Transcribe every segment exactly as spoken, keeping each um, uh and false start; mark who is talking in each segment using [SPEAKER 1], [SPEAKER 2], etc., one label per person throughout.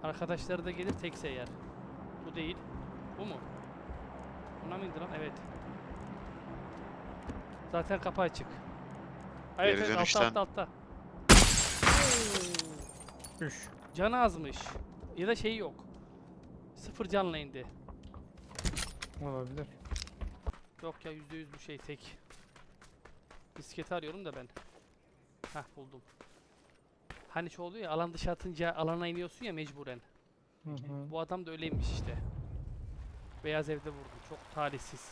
[SPEAKER 1] Arkadaşları da gelir tekse yer. Bu değil. Bu mu? Buna mı indi lan? Evet. Zaten kapı açık. Evet,
[SPEAKER 2] Geri
[SPEAKER 1] evet,
[SPEAKER 2] dönüşten-
[SPEAKER 1] altta altta altta.
[SPEAKER 3] Üç.
[SPEAKER 1] Canı azmış. Ya da şeyi yok. Sıfır canla indi.
[SPEAKER 3] Olabilir.
[SPEAKER 1] Yok ya, yüzde yüz bu şey tek. Bisikleti arıyorum da ben. Hah, buldum. Hani şey oluyor ya, alan dışı atınca alana iniyorsun ya mecburen.
[SPEAKER 3] Hı hı.
[SPEAKER 1] Bu adam da öyleymiş işte. Beyaz evde vurdu. Çok talihsiz.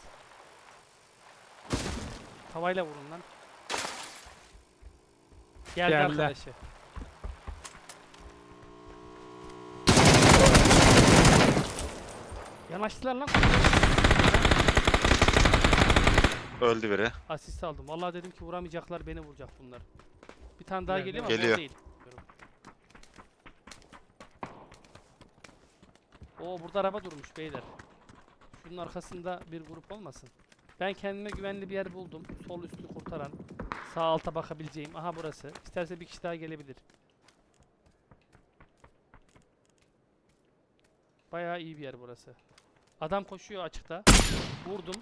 [SPEAKER 1] Tavayla vurun lan. Geldi,
[SPEAKER 3] Geldi.
[SPEAKER 1] arkadaşı. Yanaştılar lan.
[SPEAKER 2] Öldü biri.
[SPEAKER 1] Asist aldım. Vallahi dedim ki vuramayacaklar, beni vuracak bunlar. Bir tane daha
[SPEAKER 3] Geldi.
[SPEAKER 1] geliyor ama
[SPEAKER 2] Geliyor.
[SPEAKER 1] o değil. Oo, burada araba durmuş beyler. Şunun arkasında bir grup olmasın. Ben kendime güvenli bir yer buldum. Sol üstü kurtaran. Sağ alta bakabileceğim. Aha, burası. İsterse bir kişi daha gelebilir. Bayağı iyi bir yer burası. Adam koşuyor açıkta. Vurdum.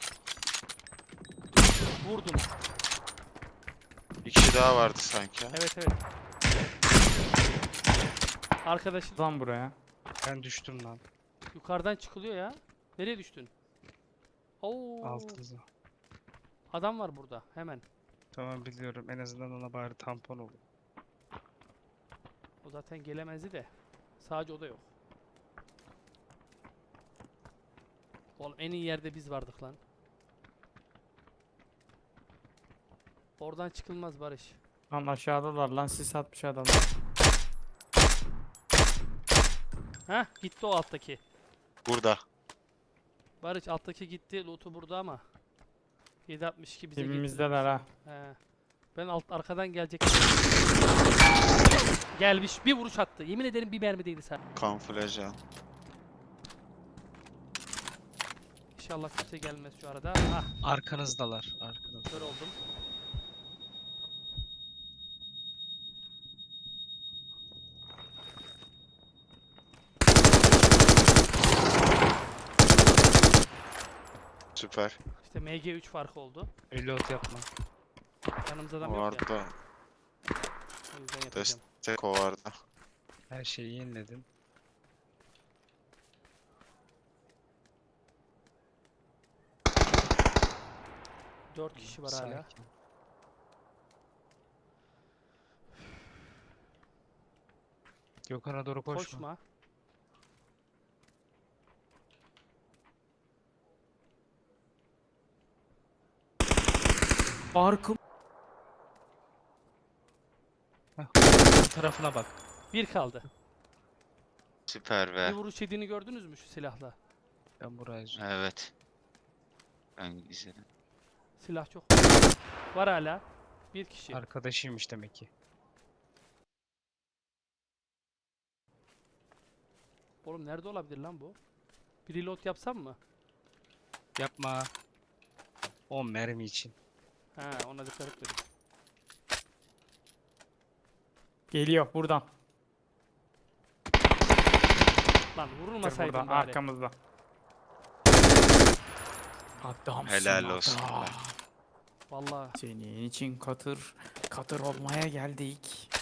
[SPEAKER 1] Vurdum.
[SPEAKER 2] Bir kişi daha vardı sanki.
[SPEAKER 1] Evet, evet. Arkadaşım
[SPEAKER 3] Lan buraya.
[SPEAKER 4] Ben düştüm lan.
[SPEAKER 1] yukarıdan çıkılıyor ya. Nereye düştün? Oo.
[SPEAKER 4] Altınıza.
[SPEAKER 1] Adam var burada. Hemen.
[SPEAKER 4] Tamam biliyorum. En azından ona bari tampon olur.
[SPEAKER 1] O zaten gelemezdi de. Sadece o da yok. Oğlum, en iyi yerde biz vardık lan. Oradan çıkılmaz Barış.
[SPEAKER 3] Lan aşağıdalar lan, sis atmış adam.
[SPEAKER 1] Heh, gitti o alttaki.
[SPEAKER 2] Burada.
[SPEAKER 1] Barış, alttaki gitti. Loot'u burada ama. yedi altmış iki bize
[SPEAKER 3] Dibimizdeler ha.
[SPEAKER 1] getirmiş. He. Ben alt arkadan gelecek. Gelmiş. Bir vuruş attı. Yemin ederim bir mermi değdi sen.
[SPEAKER 2] Kamuflaj al.
[SPEAKER 1] İnşallah kimse gelmez şu arada. Ah,
[SPEAKER 4] Arkanızdalar. Arkanızda.
[SPEAKER 1] kör oldum.
[SPEAKER 2] Süper.
[SPEAKER 1] İşte M G üç farkı oldu.
[SPEAKER 4] Reload yapma.
[SPEAKER 1] Yanımızda adam
[SPEAKER 2] O
[SPEAKER 1] yok ya.
[SPEAKER 2] vardı.
[SPEAKER 1] O yüzden yapacağım.
[SPEAKER 2] Destek o vardı.
[SPEAKER 4] Her şeyi yeniledin.
[SPEAKER 1] Dört kişi var hala.
[SPEAKER 4] Sakin. Gökhan'a doğru koşma.
[SPEAKER 1] Koşma.
[SPEAKER 3] Arkım.
[SPEAKER 4] Bu tarafına bak.
[SPEAKER 1] Bir kaldı.
[SPEAKER 2] Süper
[SPEAKER 1] Bir
[SPEAKER 2] be.
[SPEAKER 1] vuruş yediğini gördünüz mü şu silahla?
[SPEAKER 4] Ben buraya
[SPEAKER 2] Evet. Ben izledim.
[SPEAKER 1] Silah çok. Var hala. Bir kişi.
[SPEAKER 4] arkadaşıymış demek ki.
[SPEAKER 1] Oğlum, nerede olabilir lan bu? Bir reload yapsam mı?
[SPEAKER 4] Yapma. on mermi için.
[SPEAKER 1] Ha, ona dikkat et dedim.
[SPEAKER 3] Geliyor buradan.
[SPEAKER 1] Lan
[SPEAKER 3] Dur
[SPEAKER 1] vurulmasaydım
[SPEAKER 3] buradan
[SPEAKER 1] bari.
[SPEAKER 3] arkamızda. Adamsın
[SPEAKER 2] Helal olsun.
[SPEAKER 3] adam.
[SPEAKER 1] Vallahi
[SPEAKER 3] Senin için katır katır olmaya geldik.